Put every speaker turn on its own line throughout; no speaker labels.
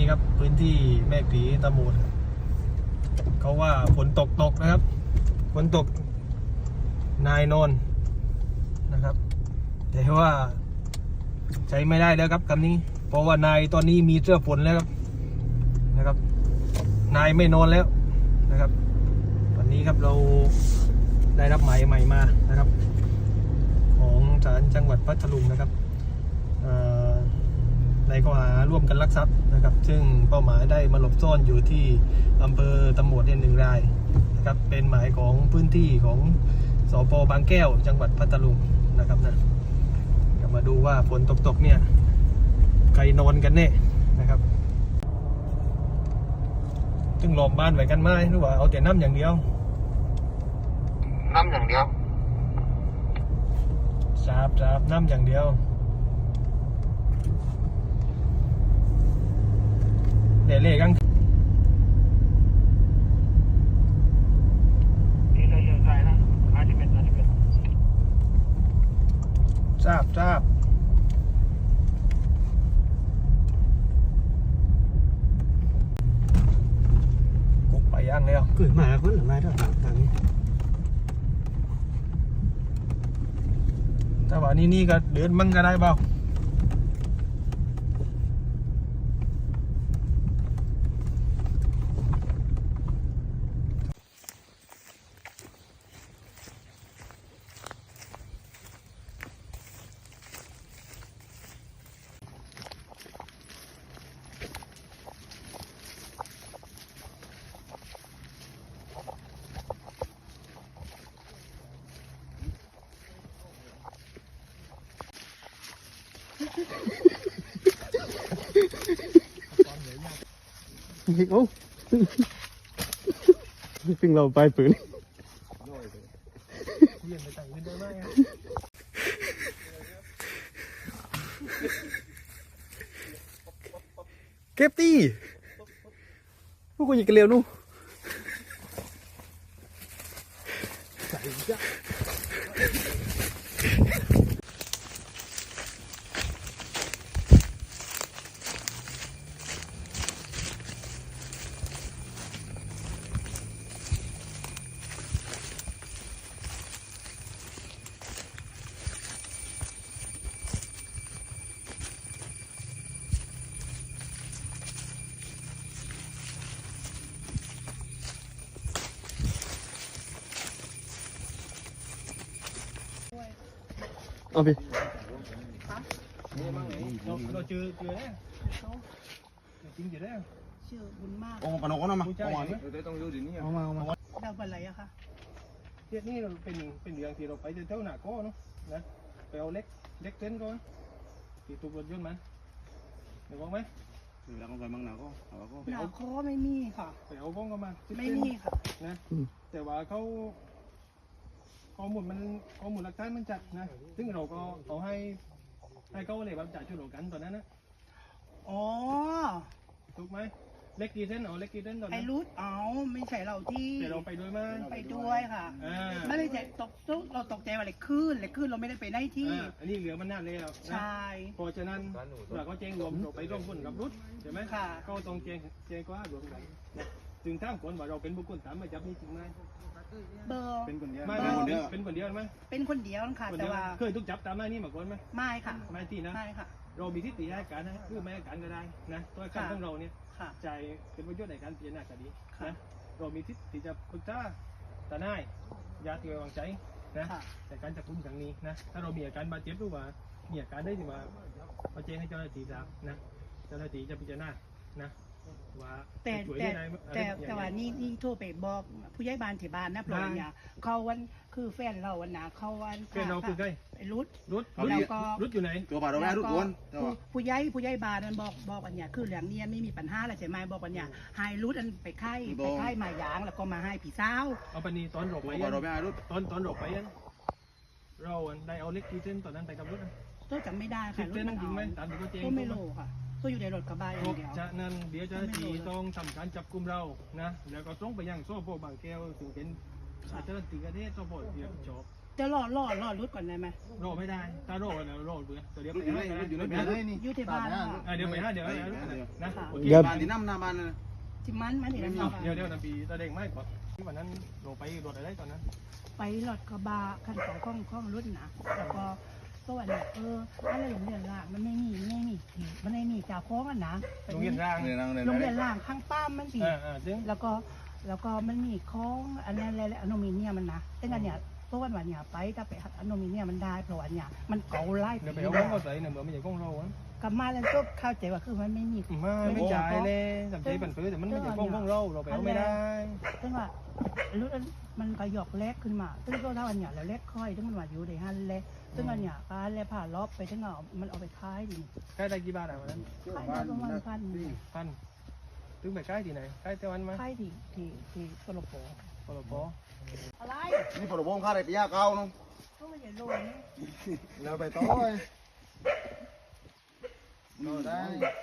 ครับพื้นที่แม่ผีตะโหมดเขาว่าฝนตกนะครับฝนตกนายนอนนะครับแต่ว่าใช้ไม่ได้แล้วครับคำนี้เพราะว่านายตอนนี้มีเสื้อฝนแล้วครับนะครับนายไม่นอนแล้วนะครับวันนี้ครับเราได้รับหมายใหม่มานะครับของศาลจังหวัดพัทลุงนะครับในข้อหาร่วมกันลักทรัพย์นะครับซึ่งเป้าหมายได้มาหลบซ่อนอยู่ที่อำเภอตะโหมดเนี่ย1 รายนะครับเป็นหมายของพื้นที่ของสป.บางแก้วจังหวัดพัทลุงนะครับนะมาดูว่าฝนตกเนี่ยใครนอนกันแน่นะครับจึงหลอมบ้านไว้กันไหมหรือว่าเอาแต่น้ำอย่างเดียว
น้ำอย่างเดียว
สาบน้ำอย่างเดียวเดี๋ยวเล่กันทราบกุ๊กไปย่างแล้ว
เกิดมาคนหรือไม่ได้ทางนี้
แต่ว่านี่ก็เดินมั่งก็ได้เปล่า
โอ้ซึ่งเราไปปืนเก็บตีพวกกูยิงกันเร็วนู่เอาไป
เราเจอแล้วจริงอยู่แล้ว
ชื่อบุญมาก
โอ้ปนกก็นำมา
ผู้ชาย
ต้องอยู่ที่นี่
เอามา
เราเป็นอะไรอะคะ
เรื่องนี้เราเป็นเรื่องที่เราไปเท่าหน้าก้อเนาะนะไปเอาเล็กเต้นก่อนที่ถูกรถยนต์มันเดี๋ยวบอกไหม
แล้วก็ไปมั่งหนาก็
หนาคอไม่มีค่ะ
ไปเอาบ้องก็มา
ไม่มีค่ะ
นะแต่ว่าเขาข้อมูลหลักฐานมันจัดนะซึ่งเราก็เขาให้เขาเลยแบบจ่ายช่วยเหลือกันตอนนั้นนะ
อ๋อ
ถูกไหมเล็กกี่เส้นเล็กกี่เส้นตอนนั้น
ไอ้รูทไม่ใช่เราที่
แต่เราไปด้วยมั้ย
ไปด้วยค่ะไม่ได้ตกเราตกใจว่าอะไรขึ้นเราไม่ได้ไปได้ที่
อันนี้เหลือมันนานเลยครับ
ใช่
เพราะฉะนั้นเราก็แจ้งรวมไปร่วมหุ้นกับรุดใช่ไหม
ค่ะ
ก็ต้องแจ้งก็รวมกันถึงถ้าคนว่าเราเป็นบุคคลตามหมายจับนี่จริงไหม
เบอร์
เป็นคนเดียวเป็นคนเดียวไหม
เป็นคนเดียวค่ะแต่ว่า
เคยถูกจับตามหน้านี่มาก่อนไหม
ไม่ค่ะ
ไม่ที่นะ
ไม่ค่ะ
เรามีทิฏฐิให้การนะคือไม่ให้การก็ได้นะตัวการของเราเนี่ยใจเป็นประโยชน์ในการพิจารณาคดีนะเรามีทิฏฐิจะปรึกษาทนายญาติไว้วางใจนะแต่การจับกุมครั้งนี้นะถ้าเรามีอาการบาดเจ็บหรือว่ามีอาการได้ที่ว่าเราแจ้งให้เจ้าหน้าที่ทราบนะเจ้าหน้าที่จะพิจารณานะว่า
แต่ว่านี่โทรไปบอกผู้ใหญ่บ้านที่บ้านนะเพราะว่าเนี่ยเขาวันคือแฟนเราวันน่ะเขาวัน
แฟนเราคือใคร
รุด
แล้วก็รุดอยู่ไหน
ตัวบาดเราไม่รุดกวน
ผู้ใหญ่บ้านนั้นบอกอันเนี้ยคือเรื่องนี้ไม่มีปัญหาอะไรใช่ไหมบอกอันเนี้ยให้รุดอันไปไข้มายางแล้วก็มาให้ผีสาว
เอาปนีตอนหลบไป
เราไม่รุด
ตอนหลบไปเราได้เอาเล็กกี่เส้นตอนนั้นไปกับรุด
ก็จำไม่ได้ค่ะ
รุดมันจริงไหมตามที่เขาแจ้ง
ก็ไม่รู้ค่ะก็อยู่ในรถกระบะอย่างเดียว
จากนั้นเดี๋ยวเจ้าหน้าที่ต้องทำการจับกุมเรานะแล้วก็ต้องไปยังโซ่พวกบางแก้วถึงเป็นเจ้าหน้าที่กระเทศโซ่พวกเดียวจบ
แจะรอรุดก่อนได้ไหม
โรไม่ได้ถ้าโรเนี่ยโรเบื่อตัวเดียว
รถอยู่ไหนรถอยู่ไหนนี่
อยู่ที่บ้านค่ะ
เดี๋ยวไปห้าเดี๋ยวนะ
เดี๋ยวบ้านที่น้ำหน้าบ้านนะ
ที่มันเห็นไหม
เดี๋ยวน้ำปีตาเด้งไม่ก่อนที่วันนั้นโรไปโดดอะไรตอนนั้น
ไปรถกระบะคันของข้องรุ่นนะแล้วก็ตัวเนี่ยอะไรโรงเรียนล่างมันไม่มีมันไม่มีจ่าโค้งอ่ะนะ
โรงเรียนร่าง
เรียนนั่งเรียน
โรงเรียนล่างข้างป้ามมันสิ
ซึ่ง
แล้วก็มันมีโค้งอันนั้นอะไรอลูมิเนียมมันนะแต่กันเนี่ยตัววันเนี่ยไปถ้าไปอลูมิเนียมมันได้เพราะว่าเนี่ยมันเก่าไล่
เดี๋ยวไปเอาของเขาใส่เนี่ยเหมือนไม่ใช่ของเราอ่ะ
กลับมาแล้วก็เข้าใจว่าคือมันไม่มี
ไม่จ่ายเลยสำใจปั่นปื้อแต่มันไม่ใช่ของเราเราไปเอาไม่ได้
ซึ่งว่ารุ่นมันก็หยอกเล็กขึ้นมาซึ่งก็ถ้าวันเนี่ยเราเล็กค่อยซึ่งมันว่าอยู่ในฮันเล็กซึ่งวันเนี่ยการเล็ผ่านรอบไปถึงเอามันเอาไปขายดิ
ใกล้ได้กี่บาทอ่ะวันนั้น
ขายได้ประมาณพัน
ถึงไปใกล้ที่ไหนใกล้เตวันไหม
ขายที่สลบโป
ปลป
อะไร
นี่พอเราบ้องข้าได้ปียาเก่าน้อง
ก็ไม่ใช่โลนี่
เราไปต่อเลยได้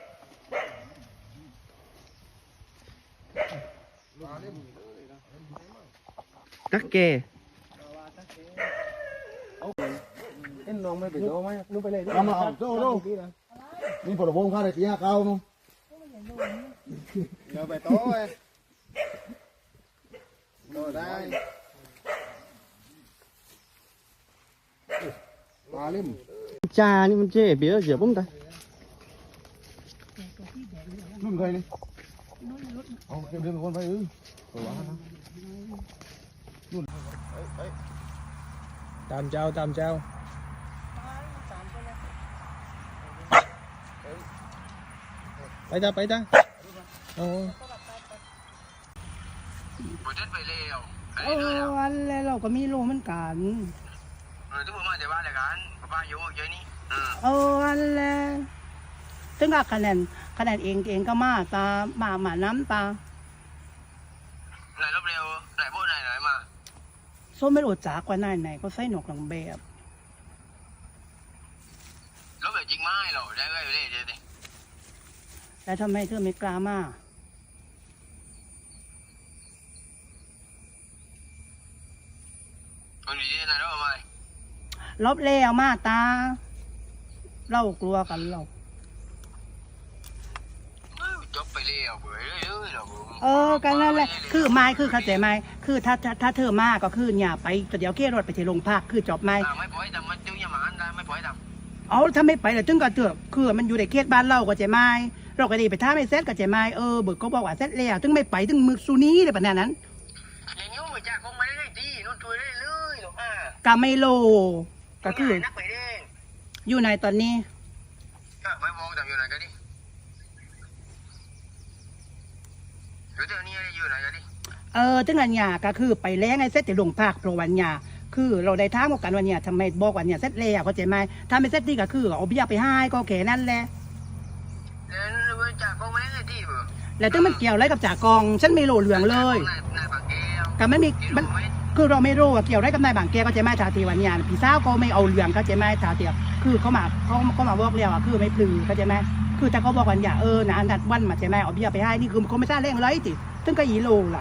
ตักแก
เอ็นน้องไม่ไปโตไหมนู้ไปเลย
เอามาเอาโซ่โซ่นี่พอเราบ้องข้าได้ปียาเก่าน้อง
ก็ไม่ใช่โลนี่
เราไปต่อเลยได้มาเล่ม
จานี่มันเจ๊เบี้ยเสียผมตา
แต่ตัวที่แดงเนี่ย
รุ่นใครนี่
นุ่นรุ่น
เอาเดินเป็นคนไปตัวนะ
ตามเจ้าไปจ้าโอ้
วันแล้วเราก็มีโลเหมือนกัน
ทุกคนมาจากบ้านเดียวกันป้าอยู่เยอะนี่
วันแล้วถึงกับคะแนนเองก็มาตามาน้ำตา
ไหนรบเร็วไหนพูดไหนมา
ส้มไม่รู้จักว่าไหนก็ใส่หนวกหลังแบบ
รบเร็วจริงไหมหรอได้ก็อยู่เลยเดี๋ยวดิ
แล้วทำไมเธอไม่กล้ามา
คนดีๆนะรบมา
ลบแล้วมาตา เรากลัวกันเรา
จบไปเร็วเบื่อเรื่อยๆหรอ
กันนั่นแหละคือไม่คือเข้าใจไหมคือถ้าเธอมาก็คืออย่าไปเดี๋ยวเกี่ยวรถไปที่โรงพักคือจบไหม
ไม่ปล่อยทำมันจิ้วยามันได้ไม่ปล่อยทำ
เอาถ้าไม่ไปแล้วถึงก็เถอะคือมันอยู่ในเขตบ้านเราก็ใจไหมเราก็ดีไปท่าไม่เซ็ตก็ใจไหมเบิกก็บอกว่าเซ็ตแล้วถึงไม่ไปถึงมือซูนี้เลยปะนั้น
อย่างนี้มันจะคงไม่ได้ดีนู่นช่วยได้เลยหรอกอ่ะ
ก็ไม่โลก็คือ
นักไปเด้ง
อยู่ในตอนนี้
ก็ไม่มองทำอยู่ไหนกันดิอยู่เดี๋ยวนี้อยู่ไหนกันดิ
ถึงอันยาก็คือไปแล้งไอ้เซ็ตที่โรงพักโปรวันยาคือเราได้ท้ามกันวันเนี้ยทำไมบอกวันเนี้ยเซ็ตแล้วเข้าใจไหมถ้าไม่เซ็ตดีก็คือเอาเบี้ยไปให้ก็แค่นั้นแหละ
แล้วมันจะคงไม่ได้ดีเบื่อ
แล้วถึงมันเกี่ยวอะไรกับจ่ากองฉันไม่โลเหลืองเลย
นายปากแก้ว
ก็ไม่มีมันคือเราไม่รู้ว่าเกี่ยวอะไรกับนายบางแกก็ใจไหมชาติวันเนี้ยพี่สาวก็ไม่เอาเหลืองก็ใจไหมชาติคือเขามาบอกเรียกว่าคือไม่ปลือก็ใจไหมคือแต่เขาบอกวันอย่านะอันดัดวันมาใจไหมเอาเบี้ยไปให้นี่คือเขาไม่ทราบเรื่องอะไรติถึงก็อีโลล่ะ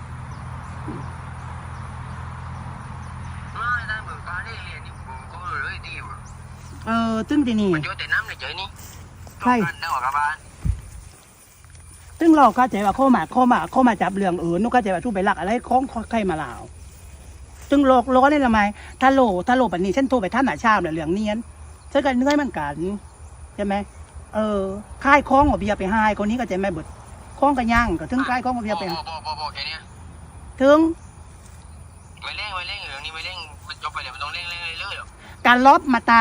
ไม่ได้เบื่อการเรียนนี่ผมก็เลยดีเบื่อ
ซึ่งทีนี่
มันเยอะแต่น้ำในใจนี่
ใช่
นั่งหัวกระบาล
ซึ่งเราก็ใจว่าเข้ามาจับเรื่องนุกก็ใจว่าทุบไปหลักอะไรของใครมาลาวซึ่งโลกนี่ละไหมถ้าโลแบบนี้ฉันโทรไปท่านหนาชาเนี่ยเรื่องเนียนฉันก็เนื่อยมันกันใช่ไหมค่ายคล้องเอาเบียร์ไปให้คนนี้ก็ใจไหมเบิดคล้องกันย่างก็ถึงค่ายคล้องเอาเบียร์ไป
บอกแค่นี้
ถึง
ไม่เร่งเรื่องนี้ไม่เร่งมันจบไปเดี๋ยวมันต้องเร่งเรื่อยๆหรอก
การลบมาตา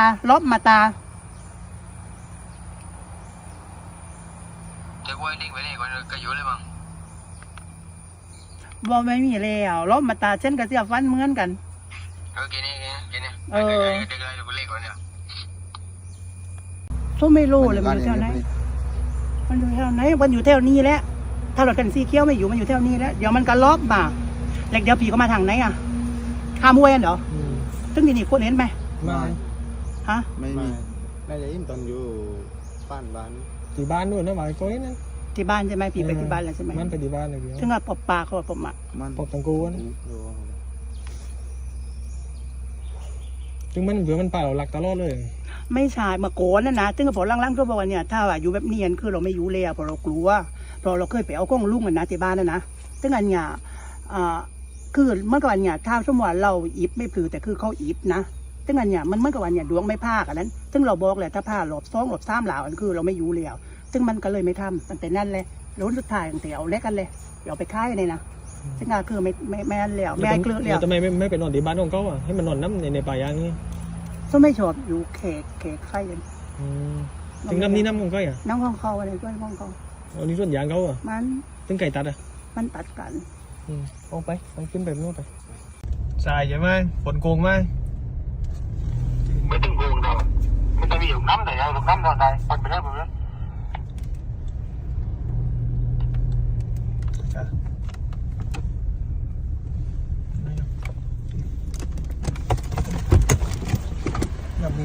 จะว่าเร่งไปเร่งก่อนก็อยู่เลยมั้ง
บ่ไม่มีแล้วลบมาตาเช่นกับเสียฟันเหมือนกัน
แค่นี้เดี๋ยวเราเร่งก่อนเนี่ย
ทุไม่รู้เลยมันอยู่แถวไหนมันอยู่แถวนี้แหละถ้าเรากันสีเขียวไม่อยู่มันอยู่แถวนี้แล้วเดี๋ยวมันก็ลบมาแล้วเดี๋ยวผีก็มาทางไหนอ่ะข้ามห้วยเหรอซึ่งทีนี่คนเห็นไหม
ไม่
ฮะ
ไม่มี
น่าจะยิ้มตอนอยู่บ้าน
ที่บ้านนู่นนะหมายก้อยนั่น
ที่บ้านใช่ไหมผีไปที่บ้านแล้วใช่ไหม
มันไปที่บ้านเลยเดียว
ซึ่งว่าปอบปลาเขาบอกปอบมา
มัน
ปกตังกูน
ดู
ซึ่งมันเผื่อมันป่าเราหลักตลอดเลย
ไม่ใช่มาโกนนะซึ่งพอล่างๆก็บอกว่าเนี่ยถ้าว่าอยู่แบบเนียนคือเราไม่อยู่เลยเพราะเรากลัวเพราะเราเคยไปเอากล้องลุงกันนะที่บ้านนะซึ่งอันเนี่ยคือเมื่อก่อนเนี่ยถ้าสมมติว่าเราอิบไม่พลือแต่คือเขาอิบนะซึ่งอันเนี่ยมันเมื่อก่อนเนี่ยดวงไม่พากอันนั้นซึ่งเราบอกเลยถ้าพาหลบ2หลบ3หลาวอันคือเราไม่อยู่แล้วซึ่งมันก็เลยไม่ทำตั้งแต่นั้นเลยแล้วสุดท้ายตั้งแต่เอาเล็กกันเลยเอาไปค่ายเลยนะซึ่งก็คือไม่อันแล้วไม่เกลือแล้ว
ทำไมไม่ไปนอนที่บ้านของเขาอ่ะให้มันนอนน้ำในป่ายางนี่
ก็ไม่ชอบอยู่เขกไข่กัน
ถึงน้ำนี้น้ำของเขาอ่ะ
น้ำของเขาอะไรด้วยของเขา
อันนี้ส่วนยางเขาอ่ะ
มัน
ถึงไก่ตัดอ่ะ
มันตัดกัน
เอาไปขึ้นไปโน่นไปสายใช่ไหมฝนโกงไหม
ไม่ต้องโกงเราไม่ต้องมีหลุมน้ำแต่หลุมน้ำเราได้คนไปเรื่อยไปเรื่อย
น้ำนี่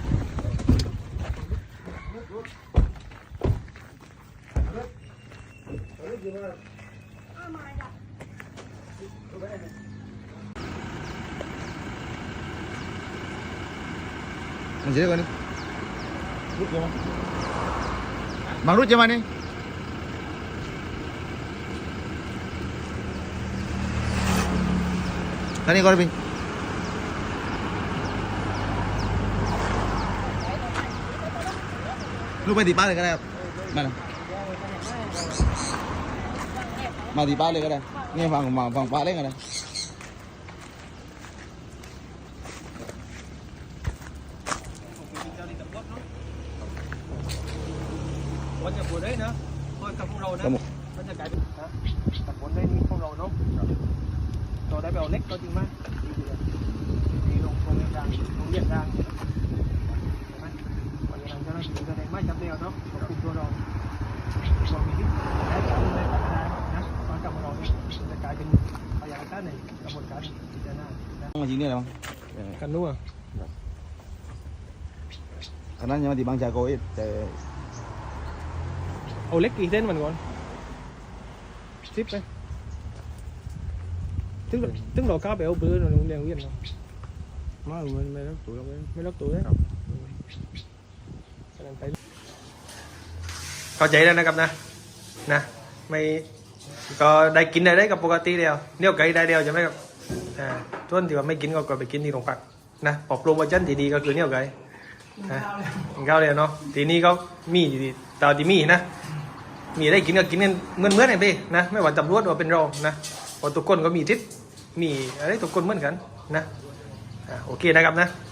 มันเจ๊กันนี่รุดยังไงบางรุดยังไงนี่ท่านี้ก่อนพี่ลูกไปตีป้าเลยก็ได้ครับมาเลยมาตีป้าเลยก็ได้นี่ฟังป้าเล่นกันเลย
วันจะปวดได้นะเพราะกับพวกเรานะมันจะกลายเป็นนะกับปวดได้นี่พวกเราเนาะเราได้ไปเอาเล็กก็จริงไหมดีลงเรียนดังลงเรียนดังใช่ไหมวันนี้ทางเจ้าหน้าที่ก็ได้ไม่จำเดียวเนาะควบคุมตัวเรามีที่ได้จากในปัญหานะตอนกับเราเนี่ยจะกลายเป็นพยานต้านในกระบวนการพิจารณา
มาจีนี่อะไรบ้าง
กันนู้น
อันนั้นยังมาตีบางจากโก้แต่
เอาเล็กกี่เส้นมันก่อนซิปไปถึงเราก้าวไปเอาเบอร์เราโรงเรียนเวียนเนาะมาไม่รับตัวเราไม่รับตัวเลยเข้าใจแล้วนะครับนะไม่ก็ได้กินได้กับปกติเดียวเนี่ยไก่ได้เดียวใช่ไหมครับส่วนที่ว่าไม่กินก็ไปกินที่โรงพักนะปรับปรุงวัฒนที่ดีก็คือเนี่ยไก่ข้าวเดียวเนาะทีนี้เขามีตอนที่มีนะมีได้กินก็กินกันเหมือนไอ้พี่นะไม่ว่าตำรวจว่าเป็นเรานะพอทุกคนก็มีทิศมีอะไรทุกคนเหมือนกันนะโอเคนะครับนะ